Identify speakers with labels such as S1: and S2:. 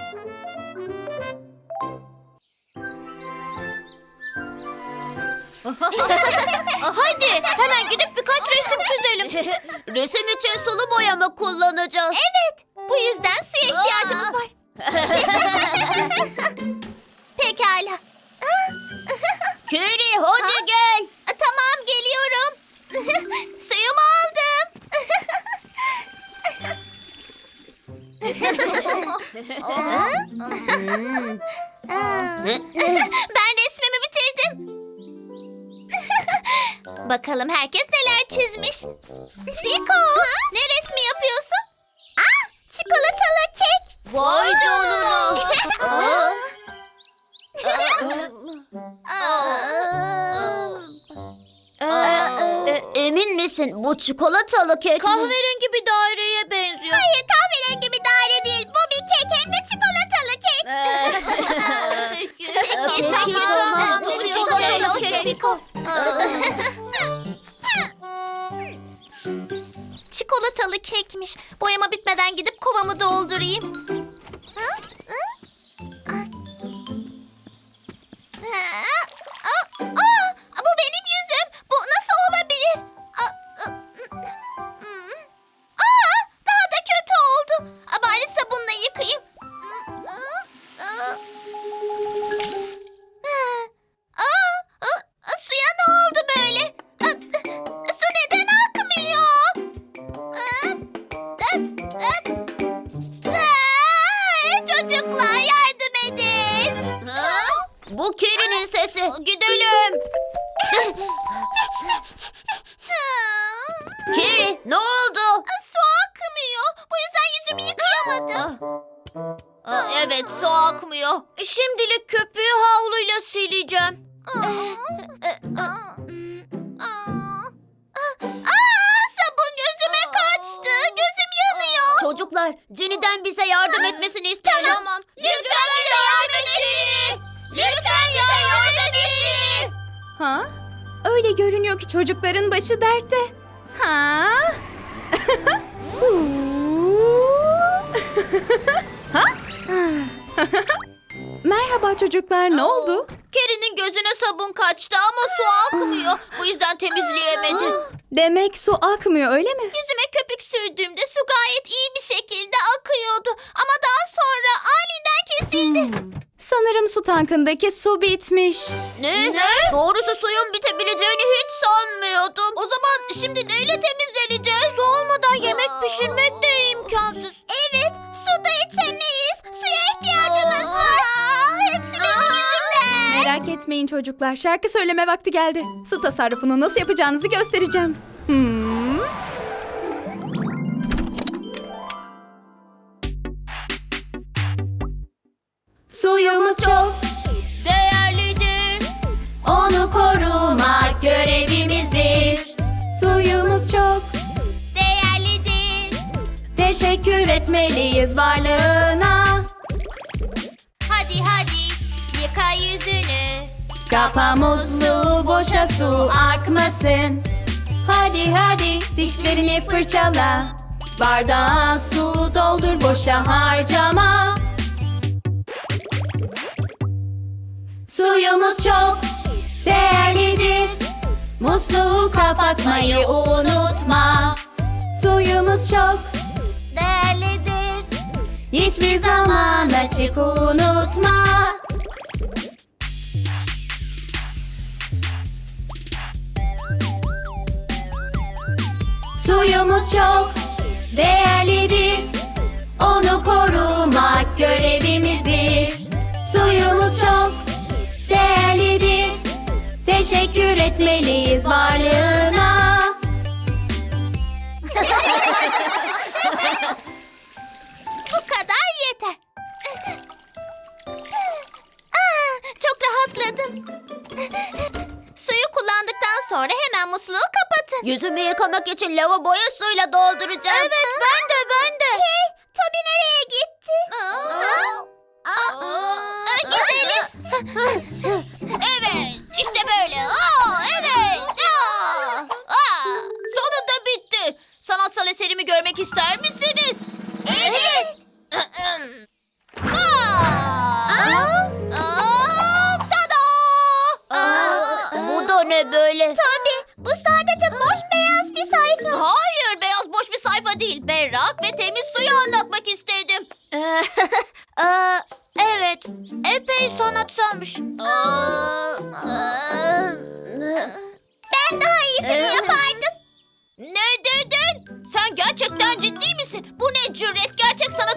S1: Hadi hemen gidip birkaç resim çizelim. Resim için sulu boya mı kullanacağız? Evet. Bu yüzden suya ihtiyacımız var. Pekala. Kiri hadi gel. Tamam geliyorum. Suyumu aldım. Ben resmimi bitirdim. Bakalım herkes neler çizmiş. Piko, ne resmi yapıyorsun? Çikolatalı kek. Vay canına. Emin misin bu çikolatalı kek kahverengi bir daireye benziyor. Hayır, kahverengi bir daire değil. Bu bir kek, hem de çikolatalı kek. Peki tamam. Çikolatalı kek Piko. Çikolatalı kekmiş. Boyama bitmeden gidip kovamı doldurayım. Bu benim yüzüm. Bu nasıl olabilir? Daha da kötü oldu. Bari sabunla yıkayayım. Suya ne oldu böyle? Su neden akmıyor? Çocuklar yardım edin. Bu Kiri'nin sesi. Gidelim. Kiri ne oldu? Su akmıyor. Bu yüzden yüzümü yıkayamadım. Evet su akmıyor. Şimdilik köpüğü havluyla sileceğim. Sabun gözüme kaçtı. Gözüm yanıyor. Çocuklar, Jenny'den bize yardım etmesini isteyelim. Tamam. Lütfen bize yardım et Jenny. Lütfen bize yardım et Jenny.
S2: Ha? Öyle görünüyor ki çocukların başı dertte. Ha? Ha? Merhaba çocuklar, ne oldu?
S1: Keri'nin gözüne sabun kaçtı ama su akmıyor. Bu yüzden temizleyemedi.
S2: Demek su akmıyor, öyle mi?
S1: Yüzüme köpük sürdüğümde su gayet iyi bir şekilde akıyordu. Ama daha sonra aniden kesildi.
S2: Sanırım su tankındaki su bitmiş.
S1: Ne? Doğrusu suyun bitebileceğini hiç sanmıyordum. O zaman şimdi neyle temizleneceğiz? Su olmadan yemek pişirmek de imkansız. Evet, su da içemeyiz. Suya ihtiyacımız var. Hepsi benim yüzümden.
S2: Merak etmeyin çocuklar, şarkı söyleme vakti geldi. Su tasarrufunu nasıl yapacağınızı göstereceğim. Suyumuz çok
S1: Değerlidir.
S2: onu korumak görevimizdir. Suyumuz çok
S1: Değerlidir.
S2: teşekkür etmeliyiz varlığına.
S1: Hadi hadi yıka yüzünü.
S2: Kapa musluğu, boşa su akmasın. Hadi hadi dişlerini fırçala. Bardağa su doldur, boşa harcama. Suyumuz çok değerlidir. Musluğu kapatmayı unutma. Suyumuz çok
S1: Değerlidir.
S2: hiçbir zaman açık unutma. Suyumuz çok değerlidir. Onu korumak görevimizdir. Suyumuz çok değerlidir. Teşekkür etmeliyiz varlığına.
S1: Bu kadar yeter. Çok rahatladım. Suyu kullandıktan sonra hemen musluğu kapatın. Yüzümü yıkamak için lavaboyu suyla dolduracağım. Evet, ben de. Hey, Toby nereye gitti? Gidelim. Evet, işte böyle. Evet. Sonunda bitti. Sanatsal eserimi görmek ister misiniz? Evet. ne böyle? Tabii. Bu sadece boş beyaz bir sayfa. Hayır, beyaz boş bir sayfa değil. Berrak ve temiz suyu anlatmak istedim. Evet. Epey sanatsalmış. Ben daha iyisini yapardım. Ne dedin? Sen gerçekten ciddi misin? Bu ne cüret? Gerçek sanat